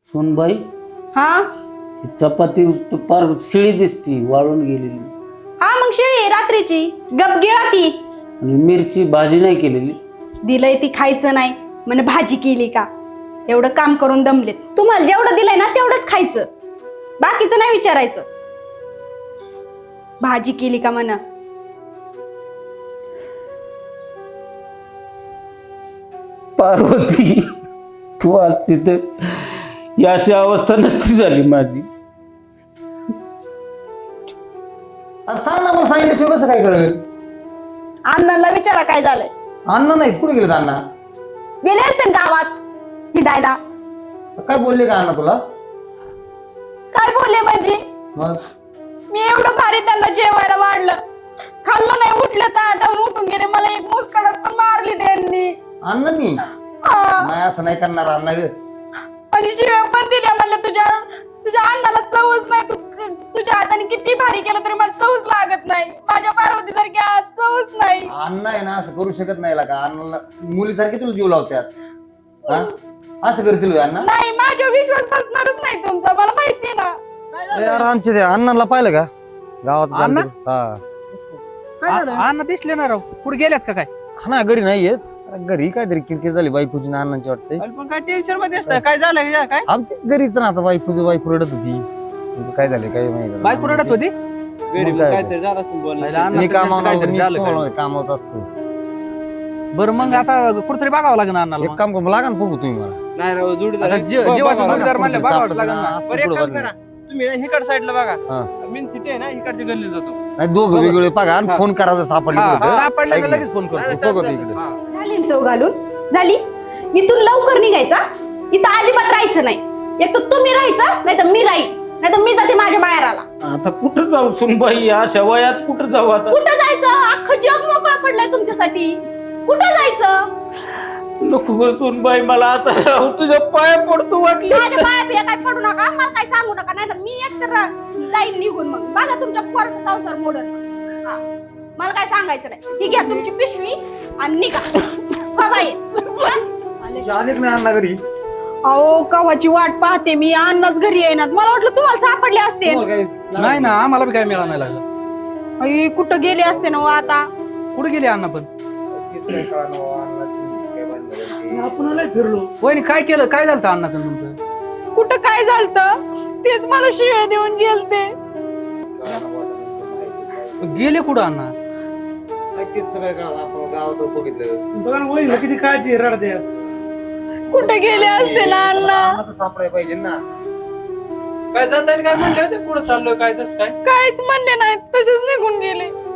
सोनबाई हा ही चपाती पार शिळी दिसती वाळून गेलेली हा मग शेळी रात्रीची गपगिळा ती आणि मिरची भाजी नाही केलेली. दिलंय ती खायचं नाही म्हणे भाजी केली का. एवढं काम करून दमलेत. तुम्हाला जेवढं दिलंय ना तेवढंच खायचं, बाकीचं नाही विचारायचं. भाजी केली का म्हणा. पार्वती तू असती तर ही अशी अवस्था नसती झाली माझी. सांग ना, मला सांगितलं कसं काय कळेल? अण्णांना विचारा काय झालंय. अण्णा नाही, कुठे गेले अण्णा? गेले असते गावात हिंडायला. काय बोलले का अण्णा तुला? काय बोलले म्हणजे मग मी एवढं भारी त्यांना जेवायला वाढलं, खाल्लं नाही, उठलं ताटावर उठून गेले. मला एक मुस्कडत पण मारली त्यांनी. अण्णांनी हा. नाही असं नाही करणार अण्णा ग. आणि शिव्या पण दिल्या. म्हणलं तुझ्या अण्णाला चवच नाही. तुझ्या हाताने किती भारी केलं तरी मला चवच लागत नाही. माझ्या पार्वती सारखी चवच नाही. अण्णा आहे ना असं करू शकत नाही का? अण्णाला मुलीसारखे तुला जीव लावत्यात, हा? असं करतील का अण्णा? नाही, माझ्या विश्वास बसणारच नाही तुमचा, मला माहिती ना. यार आमच्या त्या अण्णाला पाहिलं का गावात? अण्णा? हा अण्णा दिसले ना राव, कुठे गेल्यात का काय? हा ना, घरी नाही येत. घरी काहीतरी किरकिर झाली बायकोची ना अण्णांची वाटते. पण काय टेन्शन मध्ये असतं, काय झालं का काय? आमच्याच घरीच ना आता बायको रडत होती. काय झालं काय माहिती. बायको रडत होती. घरी मग काहीतरी झालं असं बोलणं. मी काहीतरी झालं काय? कामावत असतो. बरं मग आता कुठतरी बघावं लागणार अण्णाला. एक काम करा, लागा ना बघू तुम्ही मला. नाही राव, जोडीदार आता जीवाचा जोडीदार म्हणलं बघावंच लागेल ना. असं बरं, एक पुढं काम बघा. करा, तुम्ही हिकड साईडला बघा. हा. मी तिथे आहे ना, इकडच्या गल्लीत जातो. नाही, दोघं वेगवेगळे बघा आणि फोन करायचा सापडले हा, कुठं. सापडलं ऐक का ना. लगेच फोन करतो. बघतो इकडे. हा. झाली ना चव घालून झाली. इथून लवकर निघायचा. इथं अजिबात राहायचं नाही. एक तर तुम्ही राहायचं, नाही तर मी राहील, नाही तर मी जाते माझ्या माहेराला. आता कुठं जाऊ सोनबाई, अशा वयात कुठं जाऊ आता? कुठं जायचं? अख्खं जग मोकळं पडलंय तुमच्यासाठी. कुठं जायचं? नको गं सोनबाई, मला आता तुझ्या पाया पडतो वाटलं. माझ्या पाया बिया काय पडू नका, मला काय सांगू नका, नाही तर मी एकतर जाईन निघून. मग बघा तुमच्या पोराचा संसार मोडन. हा, मला काय सांगायचं नाही. ही घ्या तुमची पिशवी आणि निघा. हा बाई. अण्णा घरी अहो, कवाची वाट पाहते मी. अन्नच घरी येणार. मला वाटलं तुम्हाला सापडले असते. नाही ना, आम्हाला बी काय मिळालं नाही लागलं. अई, कुठं गेले असते ना हो आता. कुठे गेले अण्णा पण? आपण फिरलो. वहिनी काय केलं, काय झालं अण्णाचं तुमचं? कुठं काय झालतं तेच मला शिव्या देऊन गेलते. गेले कुठं अण्णा? आपण गावात बघितलं. बघा ना वहिनीला किती काळजी रडते. कुठे गेले असते ना अण्णा? सापडायला पाहिजे ना. काय जाता येईल काय म्हणले होते, पुढे चाललोय काय तसं काय? काहीच म्हणले नाहीत, तसेच निघून गेले.